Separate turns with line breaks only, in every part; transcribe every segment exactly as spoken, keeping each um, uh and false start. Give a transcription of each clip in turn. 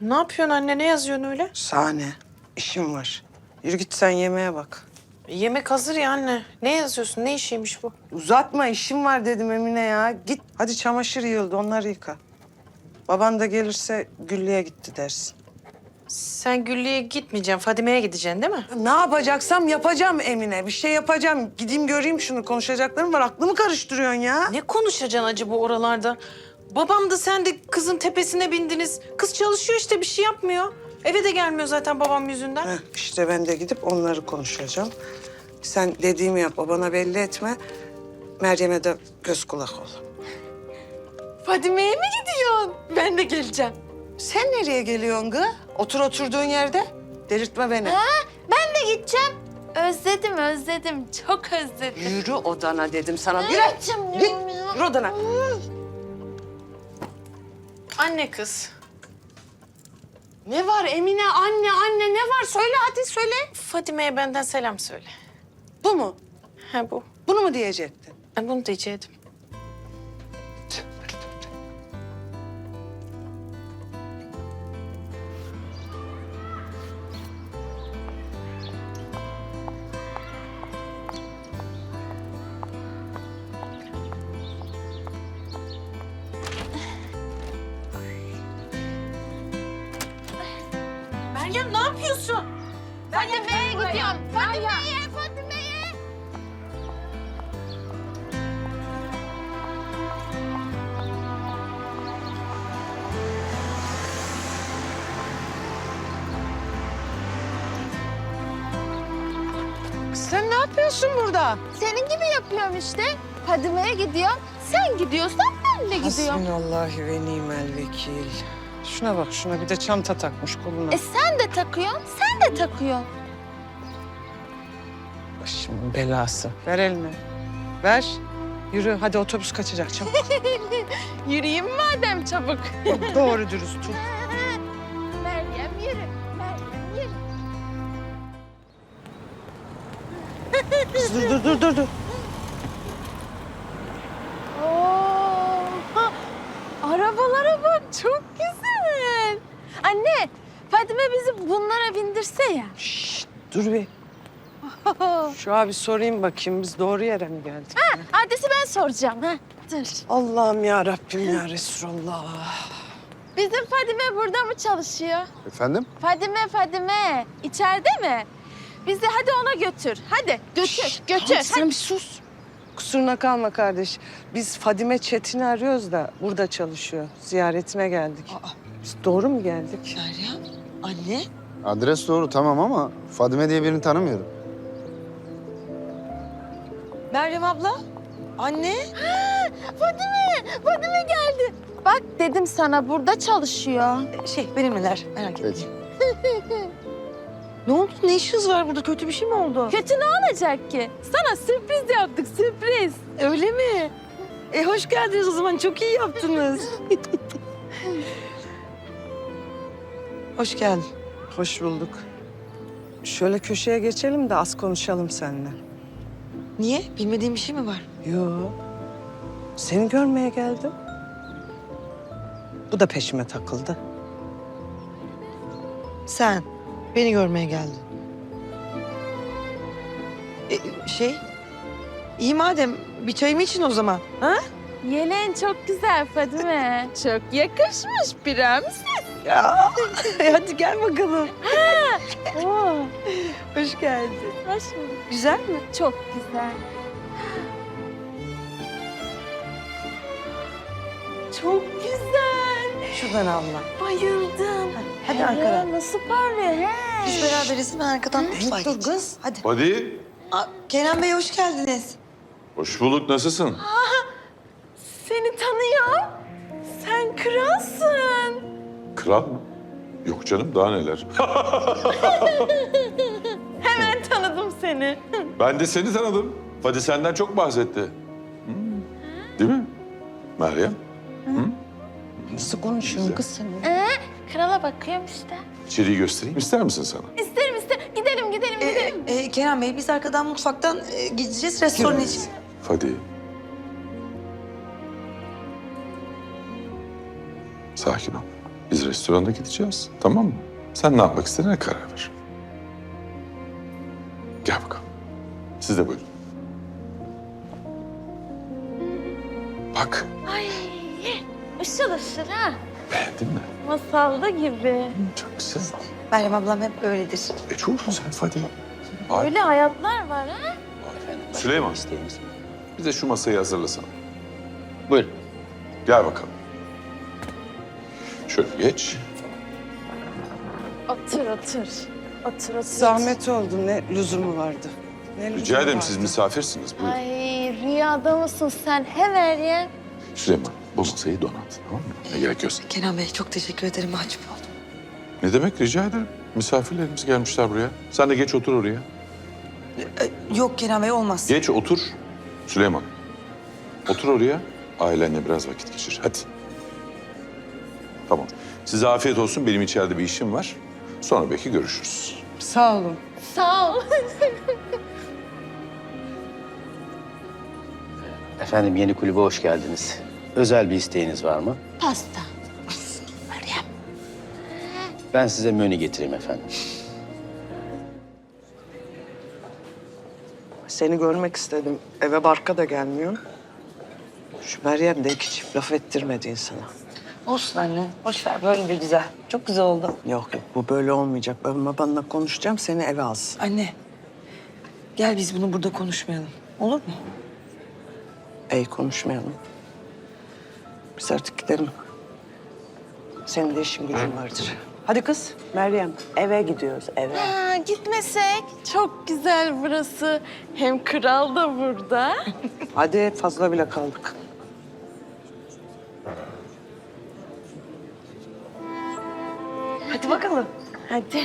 Ne yapıyorsun anne? Ne yazıyorsun öyle?
Sahne, işim var. Yürü git sen yemeğe bak.
Yemek hazır ya anne. Ne yazıyorsun? Ne işiymiş bu?
Uzatma, işim var dedim Emine ya. Git, hadi çamaşır yığıldı, onları yıka. Baban da gelirse Güllü'ye gitti dersin.
Sen Güllü'ye gitmeyeceksin. Fadime'ye gideceksin değil mi?
Ne yapacaksam yapacağım Emine. Bir şey yapacağım. Gideyim göreyim şunu. Konuşacaklarım var. Aklımı karıştırıyorsun ya.
Ne konuşacaksın acı bu oralarda? Babam da sen de kızın tepesine bindiniz. Kız çalışıyor işte, bir şey yapmıyor. Eve de gelmiyor zaten babam yüzünden.
Heh, işte ben de gidip onları konuşacağım. Sen dediğimi yap, babana belli etme. Meryem'e de göz kulak ol.
Fadime'ye mi gidiyorsun? Ben de geleceğim.
Sen nereye geliyorsun kız? Otur oturduğun yerde. Delirtme beni.
Ha, ben de gideceğim. Özledim, özledim. Çok özledim.
Yürü odana dedim sana. Yürü.
Gideceğim
Git.
diyorum ya.
Yürü odana.
Anne kız.
Ne var Emine? Anne, anne ne var? Söyle hadi söyle.
Fadime'ye benden selam söyle.
Bu mu?
Ha bu.
Bunu mu diyecektin?
Ben bunu diyecektim. Meryem ne yapıyorsun?
Fadime'ye gidiyorum. Fadime'ye, Fadime'ye.
Sen ne yapıyorsun burada?
Senin gibi yapıyorum işte. Fadime'ye gidiyorum. Sen gidiyorsan ben de gidiyorum.
Hasbinallahi ve nimel vekil. Şuna bak şuna, bir de çanta takmış koluna.
E sen de takıyorsun, sen de takıyorsun.
Başımın belası. Ver elini. Ver. Yürü hadi, otobüs kaçacak çabuk.
Yürüyeyim madem çabuk.
Doğru dürüst tut.
Meryem yürü, Meryem yürü.
Kız, dur dur dur dur. dur.
Oo, ha, arabalara bak, çok güzel. Anne, Fadime bizi bunlara bindirse ya.
Şşt, dur bir. Şu abi sorayım bakayım, biz doğru yere mi geldik?
Adresi ben soracağım. Ha. Dur.
Allah'ım ya Rabbim ya Resulallah.
Bizim Fadime burada mı çalışıyor?
Efendim?
Fadime, Fadime. İçeride mi? Bizi hadi ona götür. Hadi götür, götür.
Tamam, sen bir sus. Kusuruna kalma kardeş. Biz Fadime Çetin'i arıyoruz da burada çalışıyor. Ziyaretine geldik. Biz doğru mu geldik?
Meryem, anne.
Adres doğru tamam ama Fadime diye birini tanımıyorum.
Meryem abla, anne.
Fadime, Fadime geldi. Bak dedim sana burada çalışıyor.
Şey, benimleler. Merak etme.
Peki.
Ne oldu? Ne işiniz var burada? Kötü bir şey mi oldu?
Kötü ne olacak ki? Sana sürpriz yaptık, sürpriz.
Öyle mi? E hoş geldiniz o zaman. Çok iyi yaptınız.
Hoş geldin. Hoş bulduk. Şöyle köşeye geçelim de az konuşalım seninle.
Niye? Bilmediğim bir şey mi var?
Yo. Seni görmeye geldim. Bu da peşime takıldı.
Sen beni görmeye geldin. E, şey, iyi madem bir çayımı için o zaman. Ha?
Yeleğin çok güzel Fadime. Çok yakışmış prenses.
Ya, hadi gel bakalım.
Oo,
Hoş geldin.
hoş bulduk.
Güzel mi?
Çok güzel.
Çok güzel.
Şuradan Allah.
Bayıldım.
Hadi
He,
arkadan.
nasıl parlıyor he?
Biz beraberiz. Ben arkadan mutfağa
Dur
gideceğim.
kız.
Hadi.
Hadi.
Aa, Kenan Bey hoş geldiniz.
Hoş bulduk. Nasılsın?
Seni tanıyor. Sen kralsın.
Kral mı? Yok canım, daha neler.
Hemen tanıdım seni.
Ben de seni tanıdım. Fadi senden çok bahsetti. Hmm. Değil mi? Meryem,
Nasıl konuşuyorsun kız sen?
Ee, krala bakıyorum işte.
içeriği göstereyim. İster misin sana?
İsterim isterim. Gidelim gidelim
Ee,
gidelim.
e, Kenan Bey biz arkadan mutfaktan e, gideceğiz restoran için.
Fadi. Sakin ol. Biz restoranda gideceğiz, tamam mı? Sen ne yapmak istediğine karar ver. Gel bakalım. Siz de buyurun. Bak,
Ay ışıl ışıl ha.
beğendin mi?
Masalda gibi.
Çok güzel.
Meryem ablam hep öyledir.
E çok güzel Fadime. Ay,
Öyle hayatlar var ha.
Süleyman, bir de şu masayı hazırlasana.
Buyurun.
Gel bakalım. Şöyle geç.
Otur otur. Otur otur.
Zahmet oldu. Ne lüzumu vardı? Ne lüzumu
Rica ederim,
vardı?
siz misafirsiniz. Buyurun.
Ay rüyada mısın sen? He Meryem.
Süleyman, bu masayı donat, tamam mı? Ne gerekiyorsa.
Kenan Bey çok teşekkür ederim. Mahcup oldum.
Ne demek, rica ederim. Misafirlerimiz gelmişler buraya. Sen de geç otur oraya.
Ee, yok Kenan Bey olmaz.
Geç otur. Süleyman, otur oraya. Ailenle biraz vakit geçir. Hadi. Tamam. Size afiyet olsun. Benim içeride bir işim var. Sonra belki görüşürüz.
Sağ olun.
Sağ ol.
Efendim yeni kulübe hoş geldiniz. Özel bir isteğiniz var mı?
Pasta.
Ben size menü getireyim efendim.
Seni görmek istedim. Eve barka da gelmiyor. Şu Meryem de iki çift laf ettirmedi insana.
Olsun anne. Boş ver böyle de güzel. Çok güzel oldu.
Yok yok bu böyle olmayacak. Ben babanla konuşacağım seni eve alsın.
Anne. Gel biz bunu burada konuşmayalım. Olur mu?
Ey konuşmayalım. Biz artık gidelim. Senin de işin gücün vardır. Hadi kız Meryem eve gidiyoruz eve.
Ha, gitmesek. Çok güzel burası. Hem kral da burada.
Hadi fazla bile kaldık.
Hadi bakalım.
Hadi.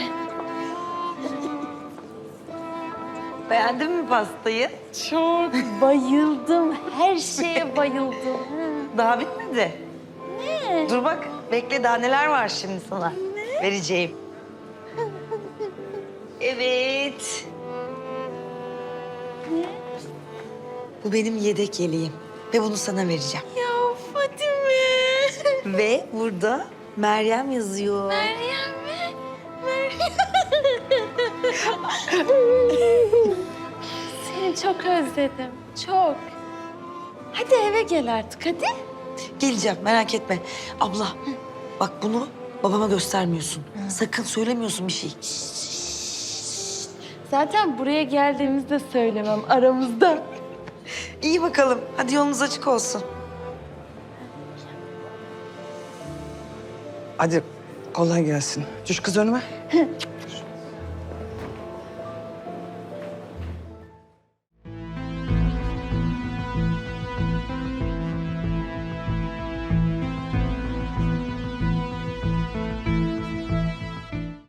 Beğendin mi pastayı?
Çok bayıldım. Her şeye bayıldım.
Daha bitmedi. Ne? Dur bak. Bekle daha neler var şimdi sana. Ne? Vereceğim. Evet.
Ne?
Bu benim yedek yeleğim. Ve bunu sana vereceğim.
Ya Fatime.
Ve burada Meryem yazıyor.
Meryem mi? Meryem. Seni çok özledim. Çok. Hadi eve gel artık hadi.
Geleceğim merak etme. Abla bak bunu babama göstermiyorsun. Sakın söylemiyorsun bir şey.
Zaten buraya geldiğimizde söylemem aramızda.
İyi bakalım. Hadi yolunuz açık olsun.
Hadi kolay gelsin. Düş kız önüme.